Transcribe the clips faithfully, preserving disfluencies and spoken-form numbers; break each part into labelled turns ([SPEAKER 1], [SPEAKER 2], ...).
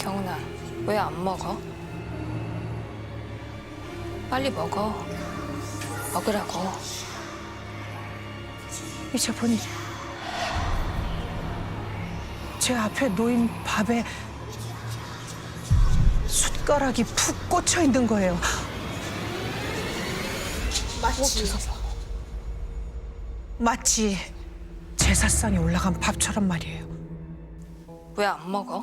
[SPEAKER 1] 경훈아, 왜 안 먹어? 빨리 먹어. 먹으라고.
[SPEAKER 2] 이제 보니 제 앞에 놓인 밥에 숟가락이 푹 꽂혀 있는 거예요. 마치 마치 제사상에 올라간 밥처럼 말이에요.
[SPEAKER 1] 왜 안 먹어?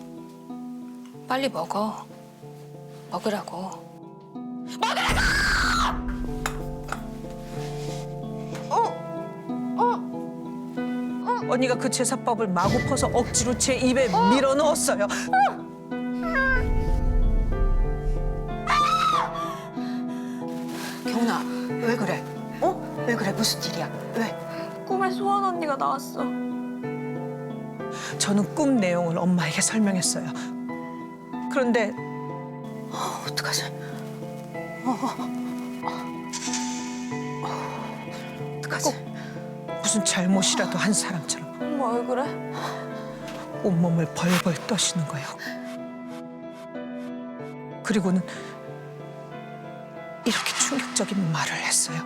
[SPEAKER 1] 빨리 먹어. 먹으라고.
[SPEAKER 2] 언니가 그 제사밥을 마구 퍼서 억지로 제 입에 밀어 넣었어요.
[SPEAKER 3] 경훈아, 왜 그래? 어? 왜 그래? 무슨 일이야? 왜?
[SPEAKER 4] 꿈에 소원 언니가 나왔어.
[SPEAKER 2] 저는 꿈 내용을 엄마에게 설명했어요. 그런데
[SPEAKER 3] 어, 어떡하지? 어떡하지?
[SPEAKER 2] 무슨 잘못이라도 한 사람처럼
[SPEAKER 4] 엄마 왜 그래?
[SPEAKER 2] 온몸을 벌벌 떠시는 거예요. 그리고는 이렇게 충격적인 말을 했어요.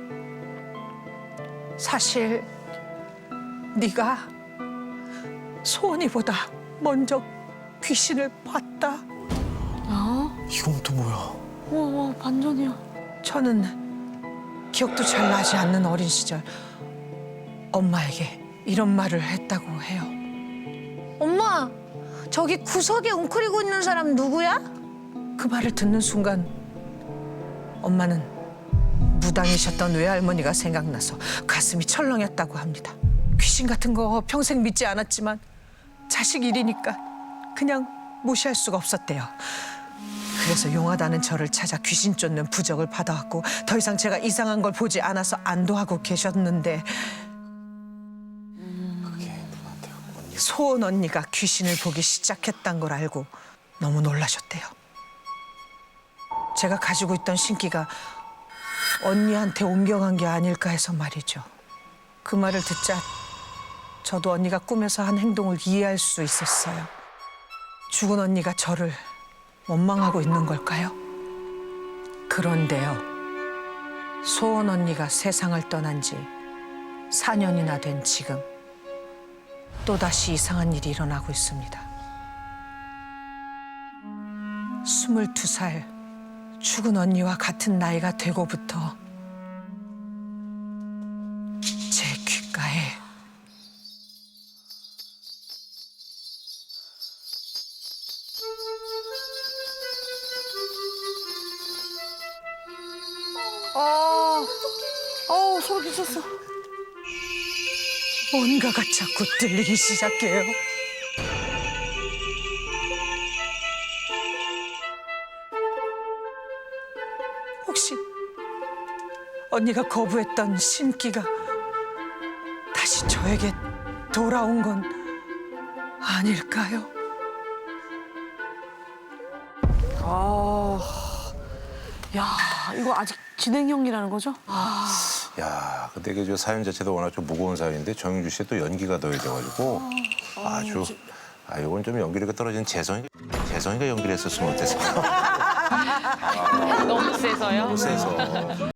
[SPEAKER 2] 사실 네가 소원이보다 먼저 귀신을 봤다.
[SPEAKER 5] 이건 또 뭐야?
[SPEAKER 4] 우와, 반전이야.
[SPEAKER 2] 저는 기억도 잘 나지 않는 어린 시절 엄마에게 이런 말을 했다고 해요.
[SPEAKER 6] 엄마, 저기 구석에 웅크리고 있는 사람 누구야?
[SPEAKER 2] 그 말을 듣는 순간 엄마는 무당이셨던 외할머니가 생각나서 가슴이 철렁했다고 합니다. 귀신 같은 거 평생 믿지 않았지만 자식 일이니까 그냥 무시할 수가 없었대요. 그래서 용하다는 저를 찾아 귀신 쫓는 부적을 받아왔고 더 이상 제가 이상한 걸 보지 않아서 안도하고 계셨는데
[SPEAKER 5] 그게 누구한테요? 언니.
[SPEAKER 2] 소은 언니가 귀신을 보기 시작했단 걸 알고 너무 놀라셨대요. 제가 가지고 있던 신기가 언니한테 옮겨간 게 아닐까 해서 말이죠. 그 말을 듣자 저도 언니가 꿈에서 한 행동을 이해할 수 있었어요. 죽은 언니가 저를 원망하고 있는 걸까요? 그런데요. 소은 언니가 세상을 떠난 지 사 년이나 된 지금 또다시 이상한 일이 일어나고 있습니다. 스물두 살 죽은 언니와 같은 나이가 되고부터 제 귓가에
[SPEAKER 4] 아, 어우, 소름 끼쳤어.
[SPEAKER 2] 뭔가가 자꾸 들리기 시작해요. 혹시 언니가 거부했던 신기가 다시 저에게 돌아온 건 아닐까요?
[SPEAKER 4] 아, 야, 이거 아직 진행형이라는 거죠?
[SPEAKER 7] 야, 근데 이게 저 사연 자체도 워낙 좀 무거운 사연인데 정윤주 씨의 또 연기가 더해져가지고 아주 아 이건 좀 연기력이 떨어진 재성이 재성이가 연기를 했었으면 어땠을까?
[SPEAKER 1] 너무 세서요?
[SPEAKER 7] 너무 세서.